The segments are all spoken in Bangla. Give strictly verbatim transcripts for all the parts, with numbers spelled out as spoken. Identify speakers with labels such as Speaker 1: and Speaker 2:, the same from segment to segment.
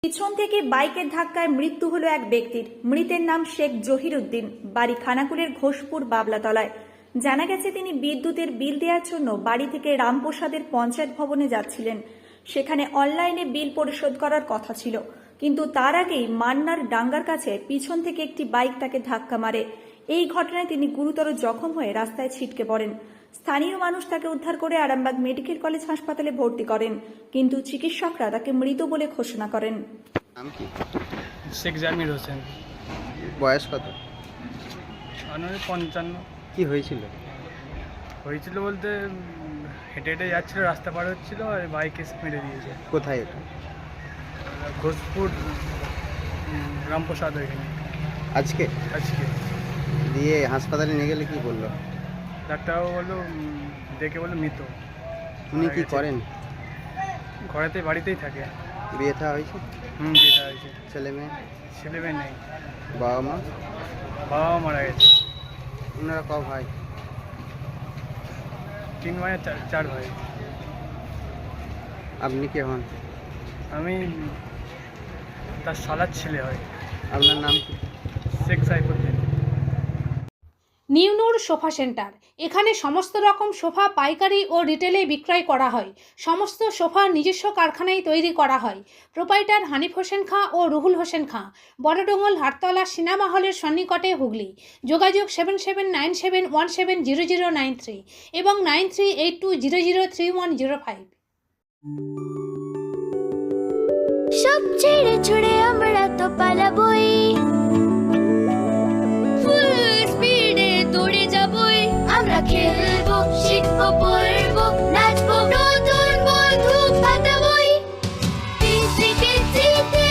Speaker 1: পিছন থেকে বাইকের ধাক্কায় মৃত্যু হলো এক ব্যক্তির। মৃতের নাম শেখ জহিরুদ্দিন, বাড়ি খানাকুলের ঘোষপুর বাবলাতলায়। জানা গেছে তিনি বিদ্যুতের বিল দেওয়ার জন্য বাড়ি থেকে রামপ্রসাদের পঞ্চায়েত ভবনে যাচ্ছিলেন। সেখানে অনলাইনে বিল পরিশোধ করার কথা ছিল, কিন্তু তার আগেই মান্নার ডাঙ্গার কাছে পিছন থেকে একটি বাইক তাকে ধাক্কা মারে। এই ঘটনায় তিনি গুরুতর জখম হয়ে রাস্তায় ছিটকে পড়েন। স্থানীয় মানুষ তাকে উদ্ধার করে আরামবাগ মেডিকেল কলেজ হাসপাতালে ভর্তি করেন, কিন্তু চিকিৎসকরা তাকে মৃত বলে ঘোষণা করেন।
Speaker 2: নাম কি?
Speaker 3: শেখ জামির হোসেন।
Speaker 2: বয়স কত?
Speaker 3: আনুমানিক পঞ্চান্ন।
Speaker 2: কি হয়েছিল?
Speaker 3: হয়েছিল বলতে উম, হেঁটে হেঁটে যাচ্ছিল, রাস্তা পার হচ্ছিল আর বাইক এসে মেরে দিয়েছে।
Speaker 2: কোথায় এটা?
Speaker 3: ঘোষপুর উম, রামপ্রসাদ ওইখানে
Speaker 2: আজকে
Speaker 3: আজকে।
Speaker 2: দিয়ে হাসপাতালে নিয়ে গেলে কি বললো?
Speaker 3: ডাক্তারবাবু বললো উম, দেখে বললো মৃত।
Speaker 2: উনি
Speaker 3: মারা
Speaker 2: কি
Speaker 3: গেছে।
Speaker 2: করেন?
Speaker 3: ঘরেতে বাড়িতেই থাকে।
Speaker 2: বিয়ে থা হয়েছে?
Speaker 3: হুম যেটা হয়েছে।
Speaker 2: ছেলে মেয়ে?
Speaker 3: ছেলে মেয়ে নেই,
Speaker 2: বাবা মা?
Speaker 3: বাবা মা মারা গেছে।
Speaker 2: ওনারা ক ভাই?
Speaker 3: তিন ভাই আর চার চার ভাই।
Speaker 2: আপনি কে হন?
Speaker 3: আমি তার শালার ছেলে হয়।
Speaker 2: আপনার নাম কি?
Speaker 3: শেখ সাইফুদ্দিন।
Speaker 4: নিউনুর sofa centre. এখানে সমস্ত রকম সোফা পাইকারি ও রিটেলে বিক্রয় করা হয়। সমস্ত সোফা নিজস্ব কারখানায় তৈরি করা হয়। প্রোপাইটার হানিফ হোসেন খাঁ ও রুহুল হোসেন খাঁ, বড়ডোঙ্গল হাটতলা সিনেমা হলের সন্নিকটে, হুগলি। যোগাযোগ seven seven nine seven one seven zero zero nine three এবং nine three eight two zero zero three one zero five.
Speaker 5: সব ছেড়ে ছুড়ে আমরা তো পালাবই, ফুল স্পিডে দৌড়ে যাবই। আমরা খেলবো, শিখবো, পড়বো, নাচবো, নতুন বন্ধু পাতাবই। কিচি কিচিতে,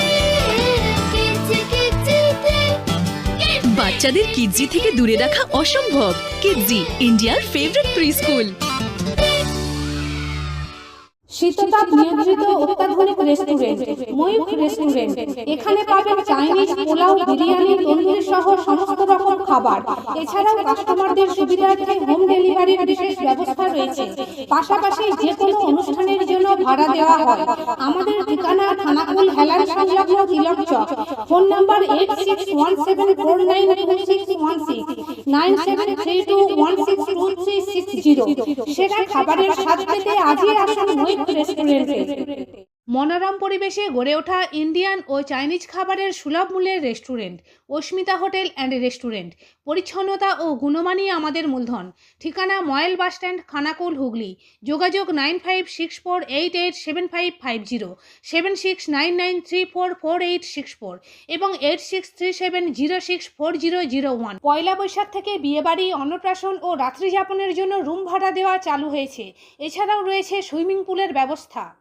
Speaker 5: কিচি কিচিতে।
Speaker 6: বাচ্চাদের কিডজি থেকে দূরে রাখা অসম্ভব। কিডজি, ইন্ডিয়ার ফেভারিট প্রি স্কুল।
Speaker 4: শীততাপ নিয়ন্ত্রিত অত্যাধুনিক রেস্টুরেন্ট ময়ূখ রেস্টুরেন্ট। এখানে পাবেন চাইনিজ, পোলাও, বিরিয়ানি, তন্দুরি সহ সমস্ত রকম খাবার। এছাড়াও কাস্টমারদের সুবিধার্থে হোম ডেলিভারির বিশেষ ব্যবস্থা রয়েছে। পাশাপাশি যে কোনো অনুষ্ঠানের জন্য ভাড়া দেওয়া হয়। আমাদের ঠিকানা খানাকুল হেলান সংলগ্ন Tilak Chak. Phone number eight six one seven four nine two six one six, nine seven three two one six two three six zero. সেরা খাবারের স্বাদ পেতে আজই আসুন ময়ূখ রেস্টুরেন্টে। মনোরম পরিবেশে গড়ে ওঠা ইন্ডিয়ান ও চাইনিজ খাবারের সুলভ মূল্যের restaurant Asmita hotel and restaurant. পরিচ্ছন্নতা ও গুণমানই আমাদের মূলধন। ঠিকানা ময়েল বাসস্ট্যান্ড, খানাকুল, হুগলি। যোগাযোগ nine five six four eight eight seven five five zero, seven six nine nine three four four eight six four এবং eight six three seven zero six four zero zero one. Poila Boishakh থেকে বিয়েবাড়ি, অন্নপ্রাশন ও রাত্রিযাপনের জন্য রুম ভাড়া দেওয়া চালু হয়েছে। এছাড়াও রয়েছে সুইমিং পুলের ব্যবস্থা।